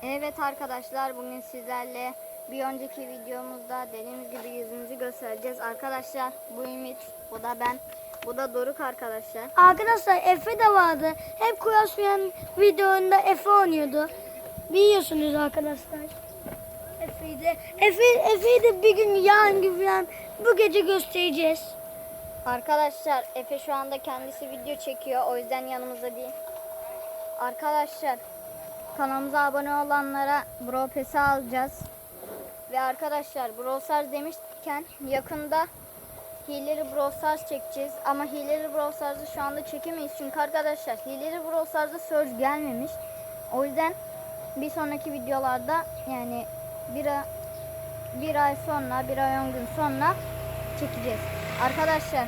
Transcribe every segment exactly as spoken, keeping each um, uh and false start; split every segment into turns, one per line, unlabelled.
Evet arkadaşlar, bugün sizlerle bir önceki videomuzda dediğimiz gibi yüzümüzü göstereceğiz. Arkadaşlar bu Ümit, bu da ben, bu da Doruk arkadaşlar.
Arkadaşlar Efe de vardı. Hep Kuyasıyan videounda Efe oynuyordu. Biliyorsunuz arkadaşlar. Efe'yi de, Efe, Efe'yi de bir gün yarın gibi falan bu gece göstereceğiz.
Arkadaşlar Efe şu anda kendisi video çekiyor, o yüzden yanımızda değil. Arkadaşlar kanalımıza abone olanlara Brawl Pass'i alacağız. Ve arkadaşlar Brawl Stars demişken yakında hileli Brawl Stars çekeceğiz. Ama hileli Brawl Stars'ı şu anda çekemeyiz. Çünkü arkadaşlar hileli Brawl Stars'da Surge gelmemiş. O yüzden bir sonraki videolarda, yani bir, ay, bir ay sonra, bir ay on gün sonra çekeceğiz. Arkadaşlar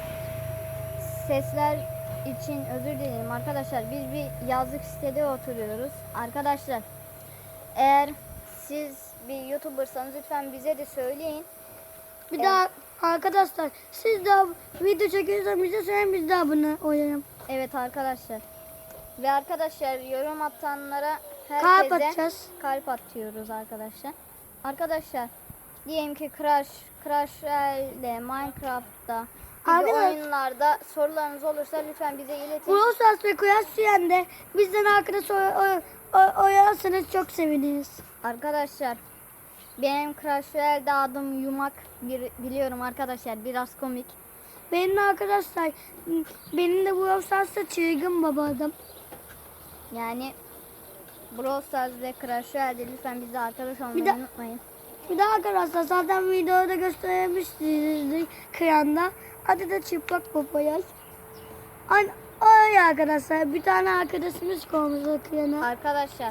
sesler için özür dilerim arkadaşlar. Biz bir yazlık sitede oturuyoruz. Arkadaşlar eğer siz bir YouTuber'sanız lütfen bize de söyleyin.
Bir
Evet.
daha arkadaşlar siz de video çekiyorsanız bize söyleyin, biz de abone olalım.
Evet arkadaşlar. Ve arkadaşlar yorum atanlara
Kalp
herkese
atacağız.
kalp atıyoruz arkadaşlar. Arkadaşlar diyelim ki Crash, Crash ile Minecraft'ta gibi
Arkadaşlar-
oyunlarda sorularınız olursa lütfen bize iletin.
Brawl Stars ve Kuyasıyan de bizden arkadaş oy- oy- oynarsanız çok seviniriz.
Arkadaşlar benim Crash Royale'de adım Yumak, bir, biliyorum arkadaşlar, biraz komik.
Benim de arkadaşlar, benim de Brawl Stars'ta çılgın baba adam.
Yani Brawl Stars ve Crash Royale'de lütfen bize arkadaş olmayı
Bir de-
unutmayın.
Bir de arkadaşlar zaten videoda göstermiştik kıyanda. Adı da çıplak papayaz. Ay, ay arkadaşlar bir tane arkadaşımız koymuştu kıyana.
Arkadaşlar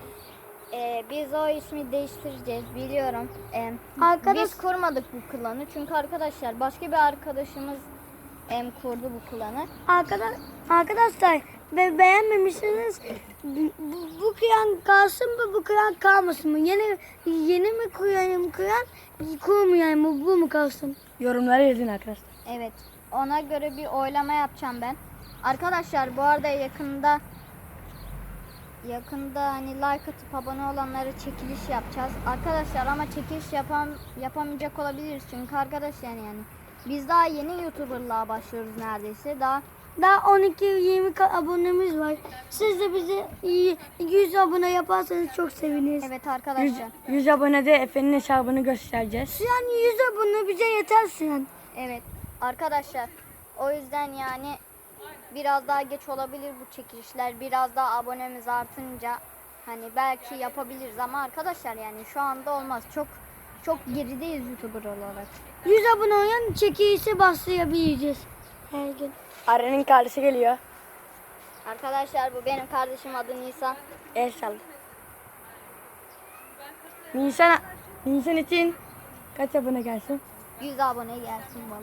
e, biz o ismi değiştireceğiz, biliyorum. E,
Arkadaş-
Biz kurmadık bu klanı çünkü arkadaşlar başka bir arkadaşımız em, kurdu bu klanı.
Arkadaş, arkadaşlar be, beğenmemişsiniz. Bu, bu kıyan kalsın mı, bu kıyan kalmasın mı? Yeni yeni mi kıyayım kıyan, kurmayayım mı, bu mu kalsın?
Yorumlara yazın arkadaşlar.
Evet, ona göre bir oylama yapacağım ben. Arkadaşlar bu arada yakında yakında hani like atıp abone olanlara çekiliş yapacağız. Arkadaşlar ama çekiliş yapam yapamayacak olabiliriz çünkü arkadaşlar yani biz daha yeni YouTuber'lığa başlıyoruz neredeyse. Daha
Daha on iki yirmi ka- abonemiz var. Siz de bize yüz abone yaparsanız çok seviniriz.
evet
yüz,
arkadaşlar.
yüz abonede Efe'nin hesabını göstereceğiz.
Yani yüz abone bize yeter Sinan.
Evet arkadaşlar. O yüzden yani biraz daha geç olabilir bu çekilişler. Biraz daha abonemiz artınca hani belki yapabiliriz ama arkadaşlar yani şu anda olmaz. Çok çok gerideyiz YouTuber olarak.
yüz abone olan çekilişe başlayabileceğiz her gün.
Aren'in kardeşi geliyor.
Arkadaşlar bu benim kardeşim, adı Nisa.
El salla. Nisan, Nisan için kaç abone gelsin?
yüz abone gelsin bana.